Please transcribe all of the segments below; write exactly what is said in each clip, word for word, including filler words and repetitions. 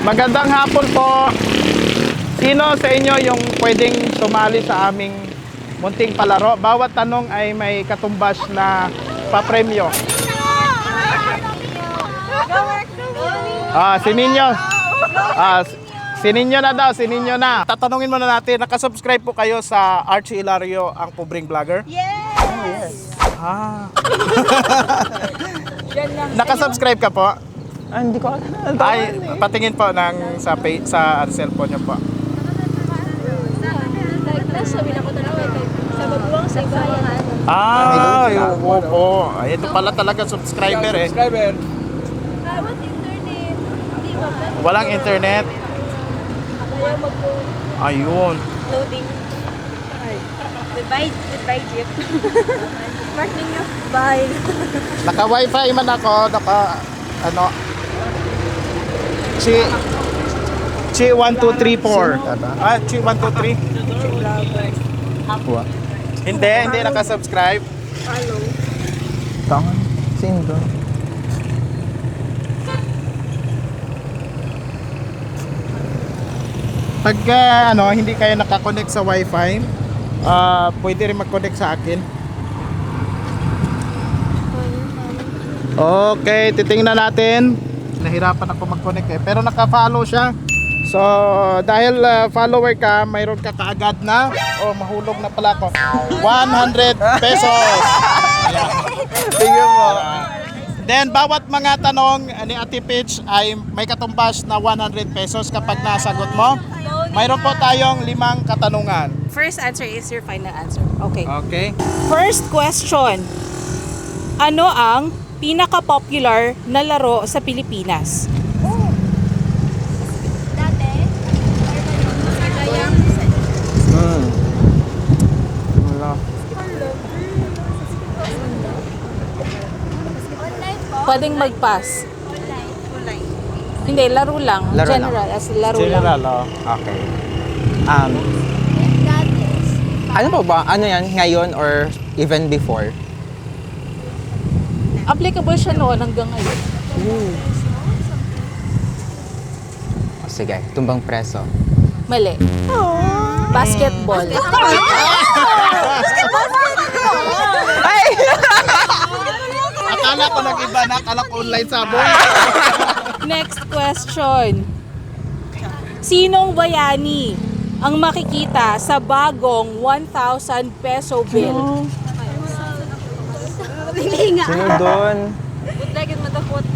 Magandang hapon po. Sino sa inyo yung pwedeng sumali sa aming munting palaro? Bawat tanong ay may katumbas na papremyo. Ah, si Ninyo. Ah, si Ninyo na daw, si Ninyo na. Tatanungin muna natin, nakasubscribe po kayo sa Archie Hilario, ang pobreng vlogger? Yes! Ah. Nakasubscribe ka po? Ah, hindi ko alam. Ay, patingin po ng sa pay, sa cellphone niyo po. Sabi na ko talaga sa babuwang sa bayan. Ah, yung po. Ay, ito pala talaga subscriber eh. Subscriber. Ah, what internet? Hindi ba? Walang internet. Kaya mag-loading. Ayun. Goodbye, goodbye, Jeep. Mark ninyo. Bye. Naka-wifi man ako, naka ano. Chi Chi one two three four. Ah, Chi one two three. What? Hindi, hindi naka-subscribe. Hello. Tangan. Sino to? Pagka ano, hindi kayo nakakonect sa wifi, ah pwede rin mag-connect sa akin. Okay, titingnan natin. Nahirapan ako mag-connect eh, pero naka-follow siya. So, dahil uh, follower ka, mayroon ka kaagad na, oh, mahulog na pala ako, one hundred pesos. Tingnan mo. Then, bawat mga tanong ni Ate Peach ay may katumbas na one hundred pesos kapag nasagot mo. Mayroon po tayong limang katanungan. First answer is your final answer. Okay. Okay? First question. Ano ang pinaka-popular na laro sa Pilipinas? Dati, kayang Hmm. Wala. online po. Pwedeng mag-pass. Online. Hindi, laro lang. Laro lang. General, as laro General, lang. oh. Okay. Um, Dati, ano pa ba? Ano yan? Ngayon or even before? Applicable siya noon hanggang ngayon. Oh, sige, tumbang preso. Mali. Basketball. Ay! Akala ko nag-iba na, akala ko online sabon. Next question. Sinong bayani ang makikita sa bagong one thousand peso bill? Hindi nga. Sino doon? Budagin mo takot.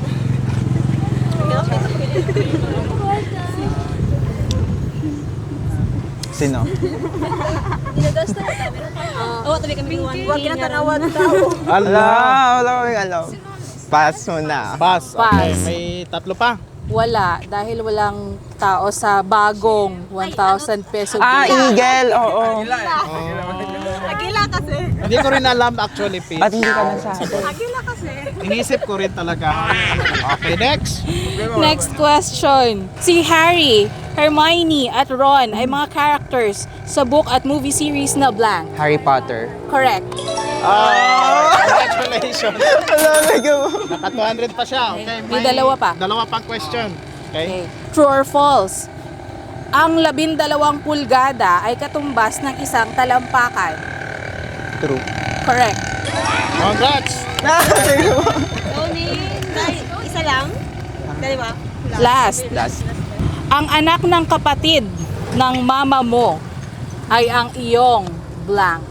Sino? Ginagasta na kami. Oo, tabi kami iwan. Huwag kinatanawan tao. Wala, wala kaming alam. Pass mo na. Pass. Okay, Pass. may tatlo pa. Wala, dahil walang tao sa bagong one thousand peso Ah, bill. Eagle! Oo. Agila kasi. Hindi ko rin alam actually, Peach. Ba't hindi ka nasabi? Agila kasi. Inisip ko rin talaga. Okay, next. Next question. Si Harry, Hermione at Ron ay mga characters sa book at movie series na blank. Harry Potter. Correct. Ah, congratulations. Alam mo. Naka two hundred pa siya. Okay, May dalawa pa. Dalawa pang question. Okay. Okay. True or false? Ang labindalawang pulgada ay katumbas ng isang talampakan. True. Correct. Congrats. Tony, isa lang? Dalawa? Last. Last. Ang anak ng kapatid ng mama mo ay ang iyong blank.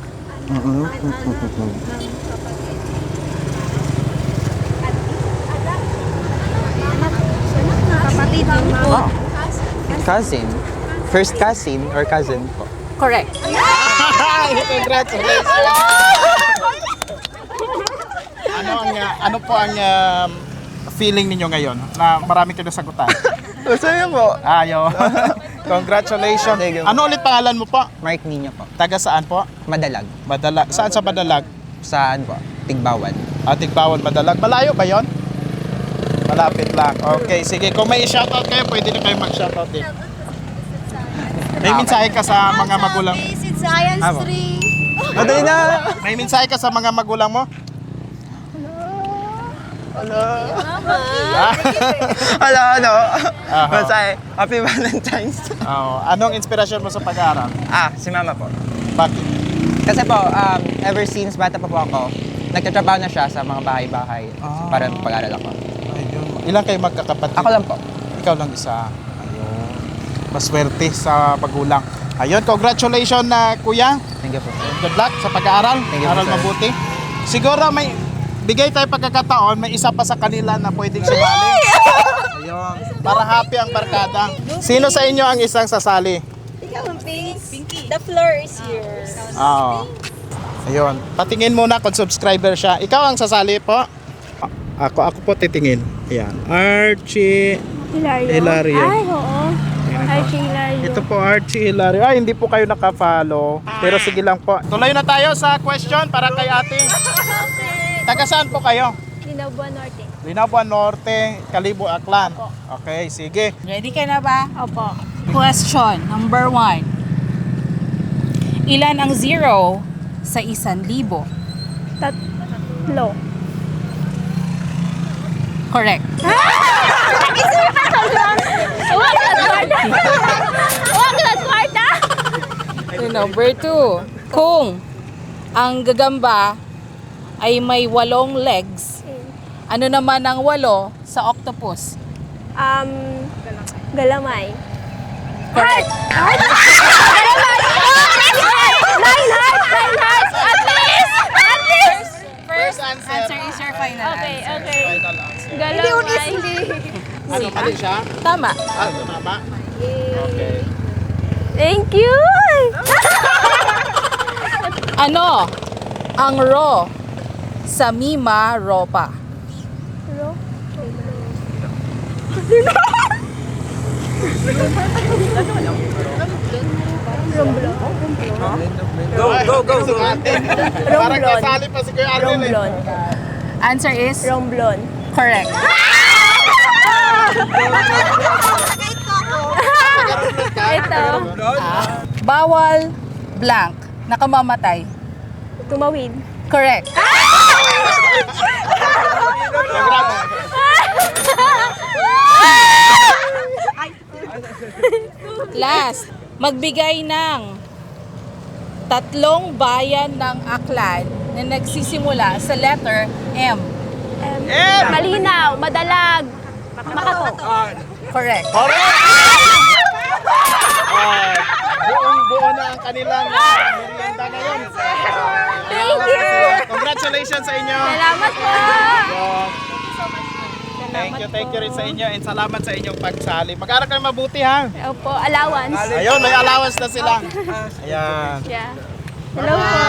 Kapatid mo. Oh. Cousin. First cousin or cousin po. Correct. Congratulations. Ano ang uh, ano po ang um, feeling ninyo ngayon na marami kayo nasagutan? Masaya po. Ayo. Congratulations. Thank you. Ano ulit pangalan mo po? Mark Nino po. Taga saan po? Madalag. Madalag. Saan sa Madalag? Saan po? Tigbawan. Ating bawal Madalag. Malayo ba yon? Malapit lang. Okay, sige. Kung may shoutout kayo, pwede na kayo mag-shoutout din. May mensahe ka sa mga magulang. Basic Science Amo. three. Madali na! May mensahe ka sa mga magulang mo? Hello, ano? Aha. Masay, Happy Valentine's. Oh, anong inspirasyon mo sa pag-aaral? Ah, si mama po. Bakit? Kasi po, um, ever since bata pa po ako, nagtatrabaho na siya sa mga bahay-bahay Ah. para pag-aaral ako. Ayun. Ilan kayo magkakapatid? Ako lang po. Ikaw lang isa. Ayun. Maswerte sa magulang. Ayun, congratulations na kuya. Thank you po. Good luck sa pag-aaral. Thank you, Aral sir. mabuti. Siguro may bigay tayo pagkakataon, may isa pa sa kanila na pwedeng sumali. Ayun. Para happy ang barkada. Sino sa inyo ang isang sasali? Ikaw ang pink. Pinky. The floor is yours. Oo. Ayun. Patingin muna kung subscriber siya. Ikaw ang sasali po. Ako, ako po titingin. Ayan. Archie. Hilario. Hilario. Ay, oo. Ayan po. Archie Hilario. Ito po Archie Hilario. Ay, hindi po kayo nakafollow. Pero sige lang po. Tuloy na tayo sa question para kay ate. Taga saan po kayo? Linabuan Norte. Linabuan Norte, Kalibo, Aklan. Okay, sige. Ready ka na ba? Opo. Question number one. Ilan ang zero sa isan libo? Tatlo. Correct. Huwag na kwarta! Huwag na kwarta! Number two. Kung ang gagamba ay may walong legs, ano naman ang walo sa octopus? Um, galamay. Correct. Nine hearts! Nine hearts! At least! At least! First answer. answer is your final Okay, answer. okay. Final answer. Galamay. Ano mali siya? Tama. Ah, tama. Okay. Thank you! Ano ang ro sa Mima Ropa? Go, go, go, go. Parang kasali pa si Kuya Arnel eh. Romblon. Answer is Romblon. correct. Ito. Bawal blank nakamamatay. Tumawid. Correct. Last, magbigay ng tatlong bayan ng Aklan na nagsisimula sa letter M. Um, malinaw, madalag, makato. Correct. Ah, buong buo na ang kanilang ah, merienda ngayon. Thank you! Congratulations sa inyo. Salamat po! Thank you, thank you rin sa inyo and salamat sa inyong pagsali. Mag-aral kayo mabuti ha. Opo, allowance. Ayun, may allowance na sila. Ayan. Yeah. Hello po.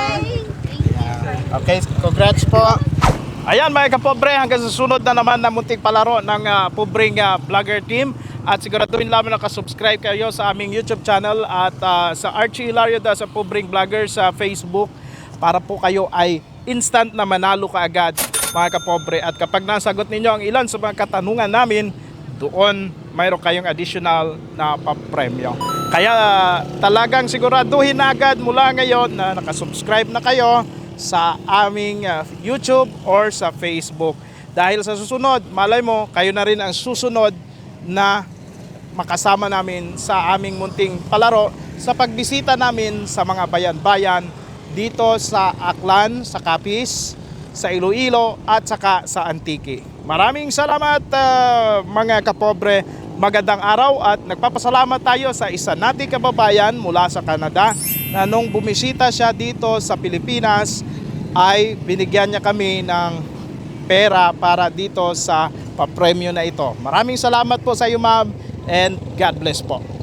Okay, congrats po. Ayan mga kapobre, hanggang sa sunod na naman na munting palaro ng uh, pobreng uh, vlogger team. At siguraduhin lamang nakasubscribe kayo sa aming YouTube channel at uh, sa Archie Hilario da sa pobreng vlogger sa Facebook para po kayo ay instant na manalo kaagad mga kapobre. At kapag nasagot ninyo ang ilan sa mga katanungan namin, doon mayroon kayong additional na papremyo. Kaya uh, talagang siguraduhin na agad mula ngayon na nakasubscribe na kayo sa aming uh, YouTube or sa Facebook. Dahil sa susunod, malay mo, kayo na rin ang susunod na makasama namin sa aming munting palaro sa pagbisita namin sa mga bayan-bayan dito sa Aklan, sa Capiz, sa Iloilo at saka sa Antique. Maraming salamat uh, mga kapobre. Magandang araw at nagpapasalamat tayo sa isa nating kababayan mula sa Canada na nung bumisita siya dito sa Pilipinas ay binigyan niya kami ng pera para dito sa papremyo na ito. Maraming salamat po sa iyo ma'am and God bless po.